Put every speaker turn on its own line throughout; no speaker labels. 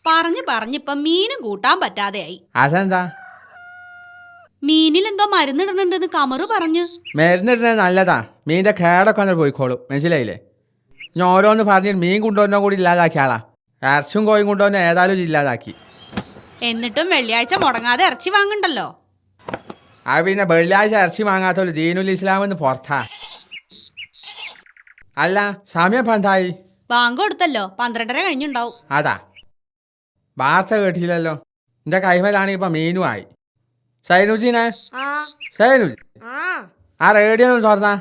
പറഞ്ഞിപ്പം മീനും കൂട്ടാൻ പറ്റാതെയായി.
അതെന്താ?
മീനിൽ എന്തോ മരുന്നിടണുണ്ടെന്ന് കമറു പറഞ്ഞു.
മരുന്നിടുന്നത് നല്ലതാ, മീനിന്റെ കേടൊക്കെ ഒന്ന് പോയിക്കോളും, മനസ്സിലായില്ലേ? ഞാൻ ഓരോന്ന് പറഞ്ഞിട്ട് മീൻ കൊണ്ടുവന്നോ കൂടി ഇല്ലാതാക്കിയ ആളാ. ഇറച്ചും കോയും കൊണ്ടുവന്ന ഏതായാലും ഇല്ലാതാക്കി.
എന്നിട്ടും വെള്ളിയാഴ്ച മുടങ്ങാതെ ഇറച്ചി വാങ്ങണ്ടല്ലോ.
ആ പിന്നെ വെള്ളിയാഴ്ച ഇറച്ചി വാങ്ങാത്തോളൂ ദീനുൽ ഇസ്ലാമെന്ന് പുറത്താ. അല്ല, സമയം എന്തായി?
ബാങ്ക് കൊടുത്തല്ലോ, 12:30 കഴിഞ്ഞുണ്ടാവും.
അതാ, വാർത്ത കേട്ടില്ലല്ലോ. എന്റെ കൈമലാണെങ്കിൽ ഇപ്പൊ മീനും ആയി. സൈനുജീനെ, സൈനുജി ആ റേഡിയോ ഒന്ന് തുറന്നാ.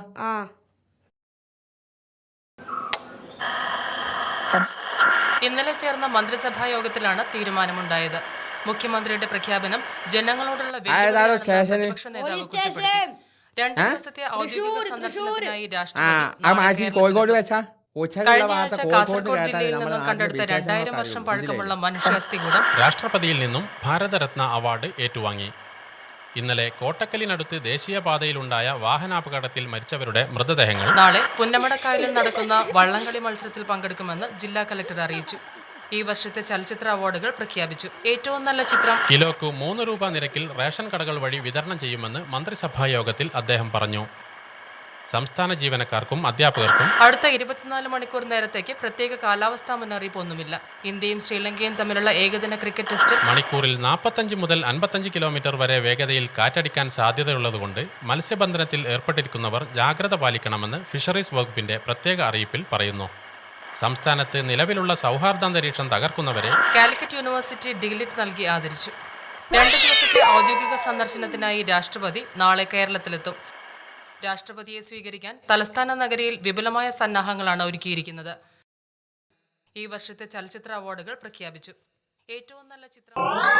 ഇന്നലെ ചേർന്ന മന്ത്രിസഭാ യോഗത്തിലാണ് തീരുമാനമുണ്ടായത്. മുഖ്യമന്ത്രിയുടെ പ്രഖ്യാപനം ജനങ്ങളോടുള്ള പ്രതിപക്ഷ നേതാവ് കുറ്റപ്പെടുത്തി. 2 ദിവസത്തെ ഔദ്യോഗിക സന്ദർശനത്തിനായി
കോഴിക്കോട് വെച്ചാ
കഴിഞ്ഞ ആഴ്ച കാസർഗോഡ് ജില്ലയിൽ നിന്നും കണ്ടെടുത്ത 2000 വർഷം പഴക്കമുള്ള മനുഷ്യാസ്ഥികൂടം
രാഷ്ട്രപതിയിൽ നിന്നും ഭാരതരത്ന അവാർഡ് ഏറ്റുവാങ്ങി. ഇന്നലെ കോട്ടക്കലിനടുത്ത് ദേശീയപാതയിലുണ്ടായ വാഹനാപകടത്തിൽ മരിച്ചവരുടെ മൃതദേഹങ്ങൾ
നാളെ പുന്നമടക്കായലിൽ നടക്കുന്ന വള്ളംകളി മത്സരത്തിൽ പങ്കെടുക്കുമെന്ന് ജില്ലാ കലക്ടർ അറിയിച്ചു. ഈ വർഷത്തെ ചലച്ചിത്ര അവാർഡുകൾ പ്രഖ്യാപിച്ചു. ഏറ്റവും നല്ല ചിത്രം
കിലോക്ക് 3 രൂപ നിരക്കിൽ റേഷൻ കടകൾ വഴി വിതരണം ചെയ്യുമെന്ന് മന്ത്രിസഭാ യോഗത്തിൽ അദ്ദേഹം പറഞ്ഞു. സംസ്ഥാന ജീവനക്കാർക്കും അധ്യാപകർക്കും
അടുത്ത 24 മണിക്കൂർ നേരത്തേക്ക് പ്രത്യേക കാലാവസ്ഥാ മുന്നറിയിപ്പ് ഒന്നുമില്ല. ഇന്ത്യയും ശ്രീലങ്കയും തമ്മിലുള്ള ഏകദിന ക്രിക്കറ്റ് ടെസ്റ്റിൽ
മണിക്കൂറിൽ 45 മുതൽ 55 കിലോമീറ്റർ വരെ വേഗതയിൽ കാറ്റടിക്കാൻ സാധ്യതയുള്ളതുകൊണ്ട് മത്സ്യബന്ധനത്തിൽ ഏർപ്പെട്ടിരിക്കുന്നവർ ജാഗ്രത പാലിക്കണമെന്ന് ഫിഷറീസ് വകുപ്പിന്റെ പ്രത്യേക അറിയിപ്പിൽ പറയുന്നു. സംസ്ഥാനത്ത് നിലവിലുള്ള സൗഹാർദ്ദാന്തരീക്ഷം തകർക്കുന്നവരെ
കാലിക്കറ്റ് യൂണിവേഴ്സിറ്റി ഡിഗ്ലിറ്റ് നൽകി ആദരിച്ചു. 2 ദിവസത്തെ ഔദ്യോഗിക സന്ദർശനത്തിനായി രാഷ്ട്രപതി നാളെ കേരളത്തിലെത്തും. രാഷ്ട്രപതിയെ സ്വീകരിക്കാൻ തലസ്ഥാന നഗരിയിൽ വിപുലമായ സന്നാഹങ്ങളാണ് ഒരുക്കിയിരിക്കുന്നത്. ഈ വർഷത്തെ ചലച്ചിത്ര അവാർഡുകൾ പ്രഖ്യാപിച്ചു. ഏറ്റവും നല്ല ചിത്രം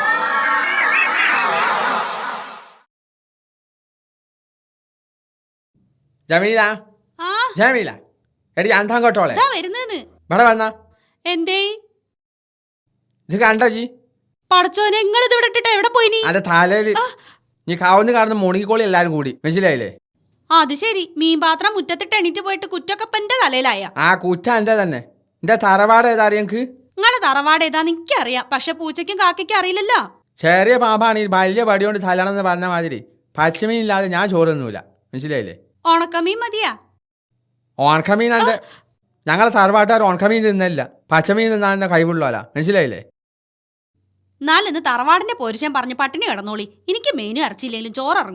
ജമീല, ജമീല എടി അന്താൻ കേട്ടോളെ ഇവിടെ വന്നാ.
എന്തേ
ഇത് കണ്ടോ ജി?
പടച്ചോനെ, നിങ്ങൾ ഇത് ഇട്ടിട്ട് എവിടെ പോയിനി?
അന്റെ തലയില് നീ കാവുന്ന് കാണുന്ന മുണുകിക്കോളി എല്ലാരും കൂടി, മനസ്സിലായില്ലേ?
അത് ശരി, മീൻ പാത്രം മുറ്റത്തിട്ട് എണീറ്റ് പോയിട്ട് കുറ്റൊക്കെപ്പന്റെ തലയിലായ.
ആ കുറ്റ എന്റെ തന്നെ. എന്റെ തറവാട് ഏതാ അറിയക്ക്?
നിങ്ങളെ തറവാട് ഏതാന്ന് എനിക്കറിയാം, പക്ഷെ പൂച്ചയ്ക്കും കാക്കയ്ക്കും അറിയില്ലല്ലോ.
ചെറിയ പാമ്പാണ് ഈ വലിയ വടികൊണ്ട് തലണമെന്ന് പറഞ്ഞ മാതിരി പച്ചമീൻ ഇല്ലാതെ ഞാൻ ചോറൊന്നുമില്ല, മനസ്സിലായില്ലേ?
ഉണക്കമീൻ മതിയാ?
ഉണക്കമീൻ എന്റെ ഞങ്ങളെ തറവാട്ടുകാർ ഉണക്കമീൻ തിന്നല്ല, പച്ചമീൻ തിന്നാൻ എന്നെ കഴിവുള്ളൂല, മനസ്സിലായില്ലേ?
എന്നാലിന്ന് തറവാടിന്റെ പോരുഷൻ പറഞ്ഞ് പട്ടിണി കിടന്നോളി. എനിക്ക് മീനും ഇറച്ചിയില്ലെങ്കിലും ചോറിറങ്ങും.